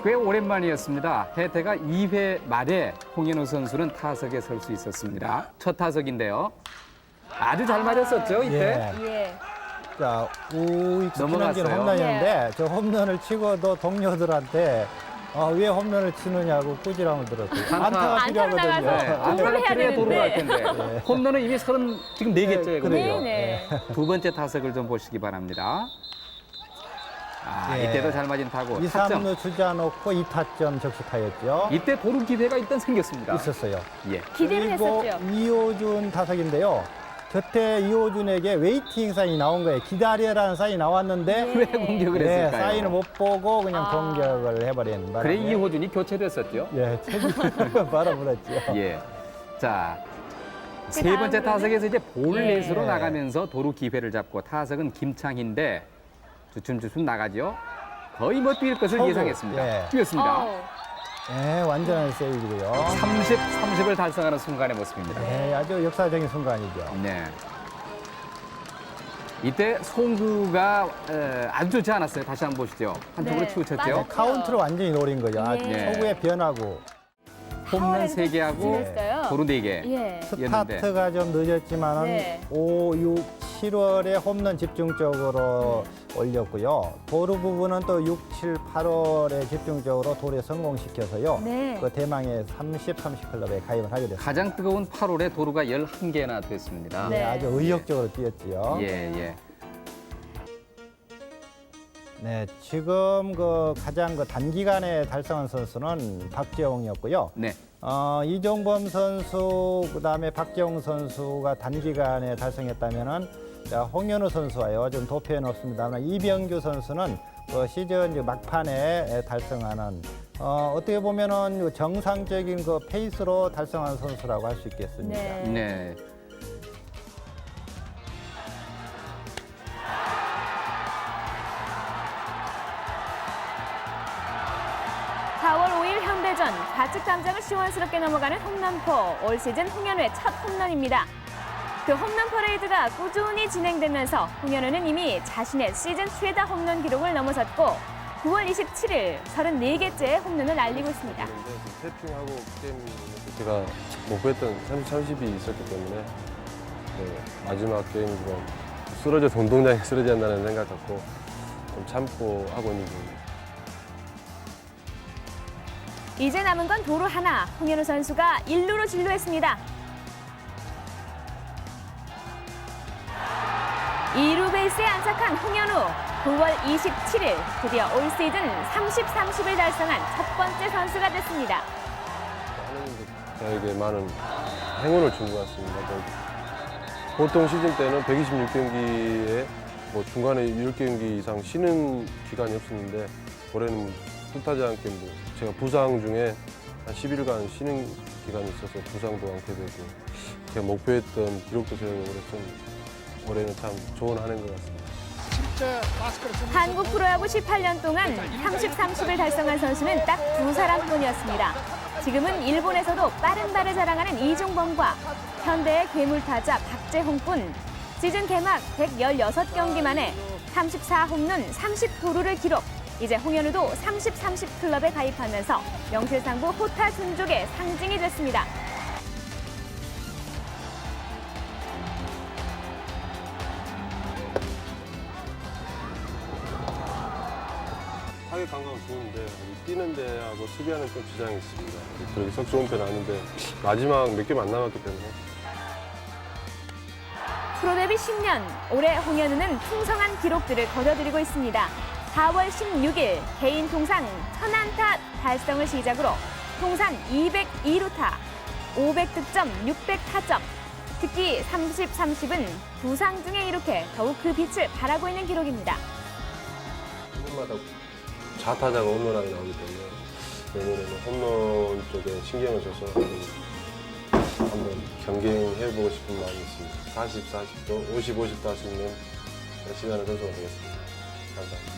꽤 오랜만이었습니다. 해태가 2회 말에 홍현우 선수는 타석에 설 수 있었습니다. 첫 타석인데요. 아주 잘 맞았었죠, 이때? 예. 자, 우익수 넘어갔어요. 김한길 홈런이었는데 저 홈런을 치고도 동료들한테 왜 홈런을 치느냐고 꾸지람을 들었어요. 안타가 안타로 필요하거든요. 나가서 네, 홈런을 안타가 해야 그래야 도루가 할 되는데. 텐데. 홈런은 이미 지금 4개째거든요. 그래요. 네네. 두 번째 타석을 좀 보시기 바랍니다. 예. 이때도 잘 맞은 타구. 2, 타점. 3루 주자 놓고 2타점 적시타였죠. 이때 도루 기회가 일단 생겼습니다. 있었어요. 예. 기대를 그리고 했었죠. 이호준 타석인데요. 그때 이호준에게 웨이팅 사인이 나온 거예요. 기다려라는 사인이 나왔는데 왜 공격을 네, 했을까요? 사인을 못 보고 그냥 아. 공격을 해버린 바람에 그래 이호준이 교체됐었죠. 예, 책임을 바라물었죠. 예. 자, 세 다음으로는? 번째 타석에서 이제 볼넷으로 예. 나가면서 도루 기회를 잡고 타석은 김창희인데 주춤주춤 나가죠. 거의 뭐 뛸 것을 초구. 예상했습니다. 예. 뛰었습니다. 어우, 네, 완전한 세이브고요. 30을 달성하는 순간의 모습입니다. 네, 아주 역사적인 순간이죠. 네. 이때 송구가 아주 좋지 않았어요. 다시 한번 보시죠. 한쪽으로 네, 치우쳤죠. 빠졌죠. 카운트를 완전히 노린 거죠. 아주 예. 초구의 변화고 홈런 파워랜드 3개하고 지냈어요. 도루 4개. 예. 였는데. 스타트가 좀 늦었지만은 네. 5, 6, 7월에 홈런 집중적으로 올렸고요. 도루 부분은 또 6, 7, 8월에 집중적으로 도루에 성공시켜서요. 네. 그 대망의 30 클럽에 가입을 하게 됐습니다. 가장 뜨거운 8월에 도루가 11개나 됐습니다. 네. 아주 의욕적으로 뛰었지요. 예, 예. 네, 지금 가장 단기간에 달성한 선수는 박재홍이었고요. 네. 이종범 선수, 그다음에 박재홍 선수가 단기간에 달성했다면은 홍현우 선수와요. 좀 도표해 놓습니다만 이병규 선수는 시즌 막판에 달성하는 어떻게 보면은 정상적인 페이스로 달성한 선수라고 할 수 있겠습니다. 네. 네. (4월 5일) 현대전 좌측 담장을 시원스럽게 넘어가는 홈런포. 올 시즌 홍현우의 첫 홈런입니다. 그 홈런 퍼레이드가 꾸준히 진행되면서 홍현우는 이미 자신의 시즌 최다 홈런 기록을 넘어섰고 9월 27일 34개째 홈런을 날리고 있습니다. 태핑하고 게임 제가 목표했던 30이 있었기 때문에 마지막 게임이지만 쓰러져서 운동장에 쓰러져야 한다는 생각 갖고 좀 참고 하고 있는 중입니다. 이제 남은 건 도루 하나. 홍현우 선수가 1루로 진루했습니다. 2루 베이스에 안착한 홍현우. 9월 27일 드디어 올 시즌 30을 달성한 첫 번째 선수가 됐습니다. 하느님도 저에게 많은 행운을 준 것 같습니다. 보통 시즌 때는 126경기에 중간에 10경기 이상 쉬는 기간이 없었는데 올해는 뜻하지 않게 제가 부상 중에 한 10일간 쉬는 기간이 있어서 부상도 않게 되고 제가 목표했던 기록도 세우고 그래서 올해는 참 좋은 한 해인 것 같습니다. 한국 프로야구 18년 동안 30을 달성한 선수는 딱 2사람뿐이었습니다. 지금은 일본에서도 빠른 발을 자랑하는 이종범과 현대의 괴물타자 박재홍뿐. 시즌 개막 116경기 만에 34홈런 30도루를 기록. 이제 홍현우도 30 클럽에 가입하면서 명실상부 호타 준족의 상징이 됐습니다. 타격 감각은 좋은데 뛰는 데하고 수비하는 좀 지장이 있습니다. 그렇게 썩 좋은 편은 아닌데 마지막 몇 개만 안 남았기 때문에 프로 데뷔 10년, 올해 홍현우는 풍성한 기록들을 거둬들이고 있습니다. 4월 16일 개인 통산 1000안타 달성을 시작으로 통산 202루타, 500득점, 600타점. 특히 30은 부상 중에 이렇게 더욱 그 빛을 발하고 있는 기록입니다. 홈런마다 좌타자가 홈런하게 나오기 때문에 내년에는 홈런 쪽에 신경을 써서 한번 경쟁해보고 싶은 마음이 있습니다. 40도, 50도 할 수 있는 시간을 선수가 되겠습니다. 감사합니다.